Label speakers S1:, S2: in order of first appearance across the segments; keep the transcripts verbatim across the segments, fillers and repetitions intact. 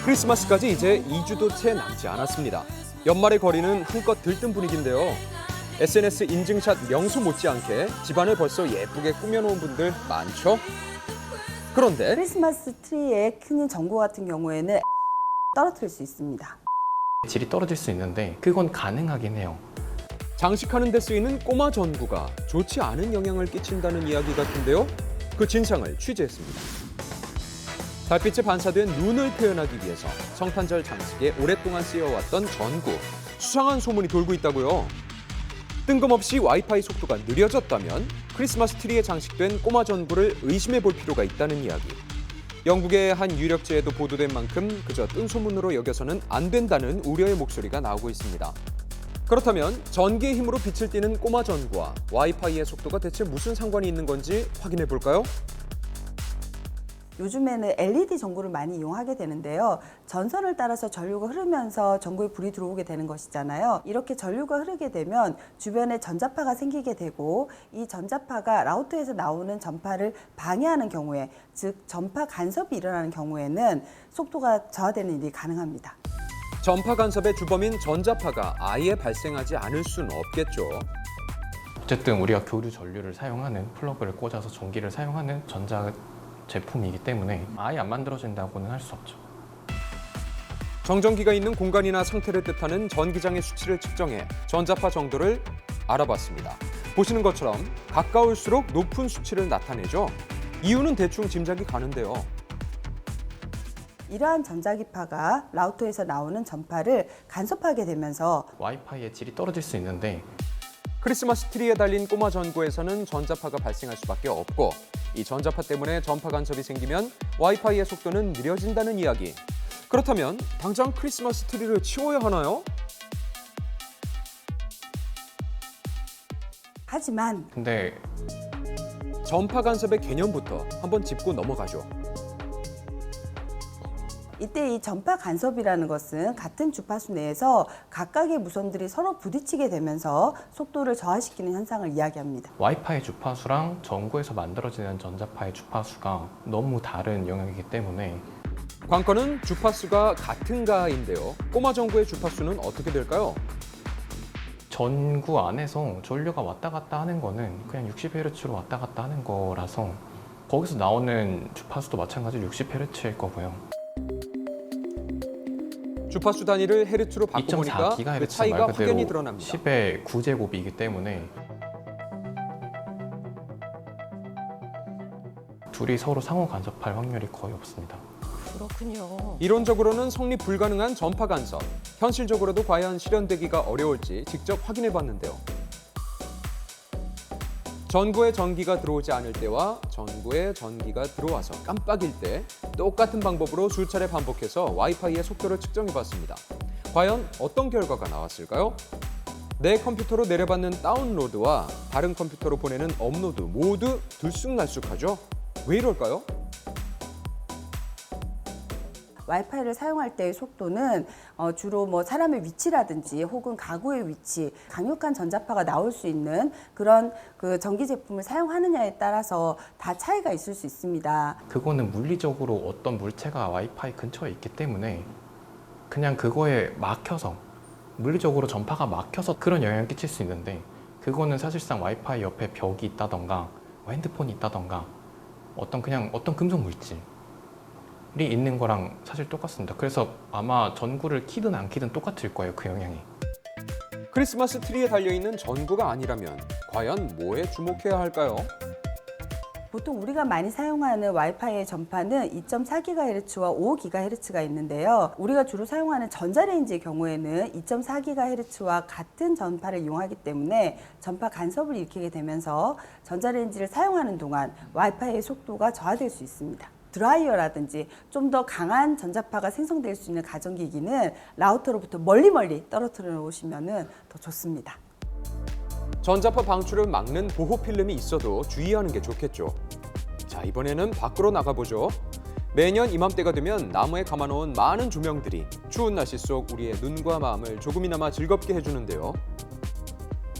S1: 크리스마스까지 이제 이 주도 채 남지 않았습니다. 연말의 거리는 한껏 들뜬 분위기인데요. 에스엔에스 인증샷 명수 못지않게 집안을 벌써 예쁘게 꾸며놓은 분들 많죠? 그런데
S2: 크리스마스 트리에 큰 전구 같은 경우에는 떨어뜨릴 수 있습니다.
S3: 질이 떨어질 수 있는데 그건 가능하긴 해요.
S1: 장식하는 데 쓰이는 꼬마 전구가 좋지 않은 영향을 끼친다는 이야기 같은데요. 그 진상을 취재했습니다. 달빛에 반사된 눈을 표현하기 위해서 성탄절 장식에 오랫동안 쓰여왔던 전구. 수상한 소문이 돌고 있다고요. 뜬금없이 와이파이 속도가 느려졌다면 크리스마스 트리에 장식된 꼬마 전구를 의심해 볼 필요가 있다는 이야기. 영국의 한 유력지에도 보도된 만큼 그저 뜬 소문으로 여겨서는 안 된다는 우려의 목소리가 나오고 있습니다. 그렇다면 전기의 힘으로 빛을 띠는 꼬마 전구와 와이파이의 속도가 대체 무슨 상관이 있는 건지 확인해 볼까요?
S2: 요즘에는 엘이디 전구를 많이 이용하게 되는데요. 전선을 따라서 전류가 흐르면서 전구에 불이 들어오게 되는 것이잖아요. 이렇게 전류가 흐르게 되면 주변에 전자파가 생기게 되고 이 전자파가 라우터에서 나오는 전파를 방해하는 경우에, 즉 전파 간섭이 일어나는 경우에는 속도가 저하되는 일이 가능합니다.
S1: 전파 간섭의 주범인 전자파가 아예 발생하지 않을 수는 없겠죠.
S3: 어쨌든 우리가 교류 전류를 사용하는 플러그를 꽂아서 전기를 사용하는 전자 제품이기 때문에 아예 안 만들어진다고는 할 수 없죠.
S1: 정전기가 있는 공간이나 상태를 뜻하는 전기장의 수치를 측정해 전자파 정도를 알아봤습니다. 보시는 것처럼 가까울수록 높은 수치를 나타내죠. 이유는 대충 짐작이 가는데요.
S2: 이러한 전자기파가 라우터에서 나오는 전파를 간섭하게 되면서
S3: 와이파이의 질이 떨어질 수 있는데
S1: 크리스마스 트리에 달린 꼬마 전구에서는 전자파가 발생할 수밖에 없고 이 전자파 때문에 전파 간섭이 생기면 와이파이의 속도는 느려진다는 이야기. 그렇다면 당장 크리스마스 트리를 치워야 하나요?
S2: 하지만
S3: 근데
S1: 전파 간섭의 개념부터 한번 짚고 넘어가죠.
S2: 이때 이 전파 간섭이라는 것은 같은 주파수 내에서 각각의 무선들이 서로 부딪히게 되면서 속도를 저하시키는 현상을 이야기합니다.
S3: 와이파이 주파수랑 전구에서 만들어지는 전자파의 주파수가 너무 다른 영역이기 때문에
S1: 관건은 주파수가 같은가인데요. 꼬마 전구의 주파수는 어떻게 될까요?
S3: 전구 안에서 전류가 왔다 갔다 하는 거는 그냥 육십 헤르츠로 왔다 갔다 하는 거라서 거기서 나오는 주파수도 마찬가지로 육십 헤르츠일 거고요.
S1: 주파수 단위를 헤르츠로
S3: 이 점 사
S1: 바꿔보니까 그
S3: 기가헤르츠
S1: 차이가
S3: 말 그대로
S1: 확연히 드러납니다.
S3: 십의 구 제곱이기 때문에 둘이 서로 상호 간섭할 확률이 거의 없습니다.
S4: 그렇군요.
S1: 이론적으로는 성립 불가능한 전파 간섭. 현실적으로도 과연 실현되기가 어려울지 직접 확인해 봤는데요. 전구에 전기가 들어오지 않을 때와 전구에 전기가 들어와서 깜빡일 때 똑같은 방법으로 수차례 반복해서 와이파이의 속도를 측정해 봤습니다. 과연 어떤 결과가 나왔을까요? 내 컴퓨터로 내려받는 다운로드와 다른 컴퓨터로 보내는 업로드 모두 들쑥날쑥하죠? 왜 이럴까요?
S2: 와이파이를 사용할 때의 속도는 어, 주로 뭐 사람의 위치라든지 혹은 가구의 위치, 강력한 전자파가 나올 수 있는 그런 그 전기 제품을 사용하느냐에 따라서 다 차이가 있을 수 있습니다.
S3: 그거는 물리적으로 어떤 물체가 와이파이 근처에 있기 때문에 그냥 그거에 막혀서 물리적으로 전파가 막혀서 그런 영향을 끼칠 수 있는데 그거는 사실상 와이파이 옆에 벽이 있다던가 뭐 핸드폰이 있다던가 어떤 그냥 어떤 금속 물질이 있는 거랑 사실 똑같습니다. 그래서 아마 전구를 키든 안 키든 똑같을 거예요, 그 영향이.
S1: 크리스마스 트리에 달려있는 전구가 아니라면 과연 뭐에 주목해야 할까요?
S2: 보통 우리가 많이 사용하는 와이파이의 전파는 이 점 사 기가헤르츠와 오 기가헤르츠가 있는데요. 우리가 주로 사용하는 전자레인지의 경우에는 이 점 사 기가헤르츠와 같은 전파를 이용하기 때문에 전파 간섭을 일으키게 되면서 전자레인지를 사용하는 동안 와이파이의 속도가 저하될 수 있습니다. 드라이어라든지 좀 더 강한 전자파가 생성될 수 있는 가전기기는 라우터로부터 멀리 멀리 떨어뜨려 놓으시면 더 좋습니다.
S1: 전자파 방출을 막는 보호 필름이 있어도 주의하는 게 좋겠죠. 자, 이번에는 밖으로 나가보죠. 매년 이맘때가 되면 나무에 감아놓은 많은 조명들이 추운 날씨 속 우리의 눈과 마음을 조금이나마 즐겁게 해주는데요.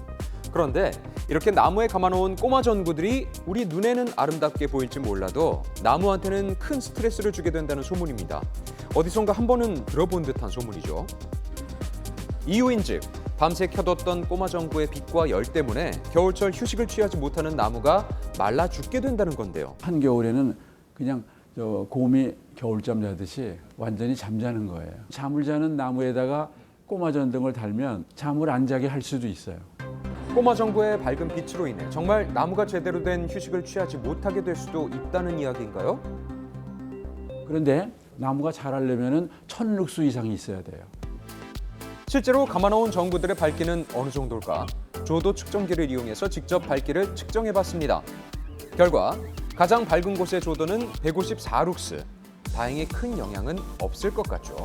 S1: 그런데 이렇게 나무에 감아놓은 꼬마 전구들이 우리 눈에는 아름답게 보일지 몰라도 나무한테는 큰 스트레스를 주게 된다는 소문입니다. 어디선가 한 번은 들어본 듯한 소문이죠. 이유인즉 밤새 켜뒀던 꼬마 전구의 빛과 열 때문에 겨울철 휴식을 취하지 못하는 나무가 말라 죽게 된다는 건데요.
S4: 한겨울에는 그냥 저 곰이 겨울잠 자듯이 완전히 잠자는 거예요. 잠을 자는 나무에다가 꼬마 전등을 달면 잠을 안 자게 할 수도 있어요.
S1: 꼬마 전구의 밝은 빛으로 인해 정말 나무가 제대로 된 휴식을 취하지 못하게 될 수도 있다는 이야기인가요?
S4: 그런데 나무가 자라려면 천 룩스 이상이 있어야 돼요.
S1: 실제로 감아놓은 전구들의 밝기는 어느 정도일까? 조도 측정기를 이용해서 직접 밝기를 측정해봤습니다. 결과 가장 밝은 곳의 조도는 백오십사 룩스. 다행히 큰 영향은 없을 것 같죠.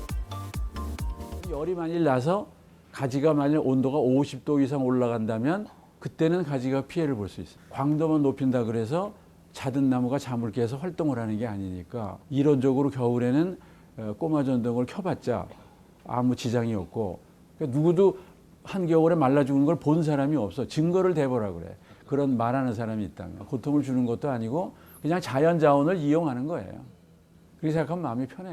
S4: 열이 만일 나서 가지가 만일 온도가 오십 도 이상 올라간다면 그때는 가지가 피해를 볼 수 있어요. 광도만 높인다 그래서 자든 나무가 잠을 깨서 활동을 하는 게 아니니까 이론적으로 겨울에는 꼬마 전등을 켜봤자 아무 지장이 없고 그러니까 누구도 한겨울에 말라 죽는 걸 본 사람이 없어. 증거를 대보라 그래. 그런 말하는 사람이 있다면 고통을 주는 것도 아니고 그냥 자연 자원을 이용하는 거예요. 그렇게 생각하면 마음이 편해요.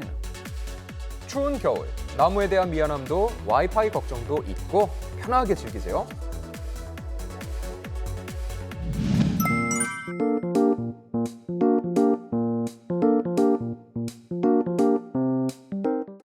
S1: 추운 겨울, 나무에 대한 미안함도 와이파이 걱정도 잊고 편하게 즐기세요.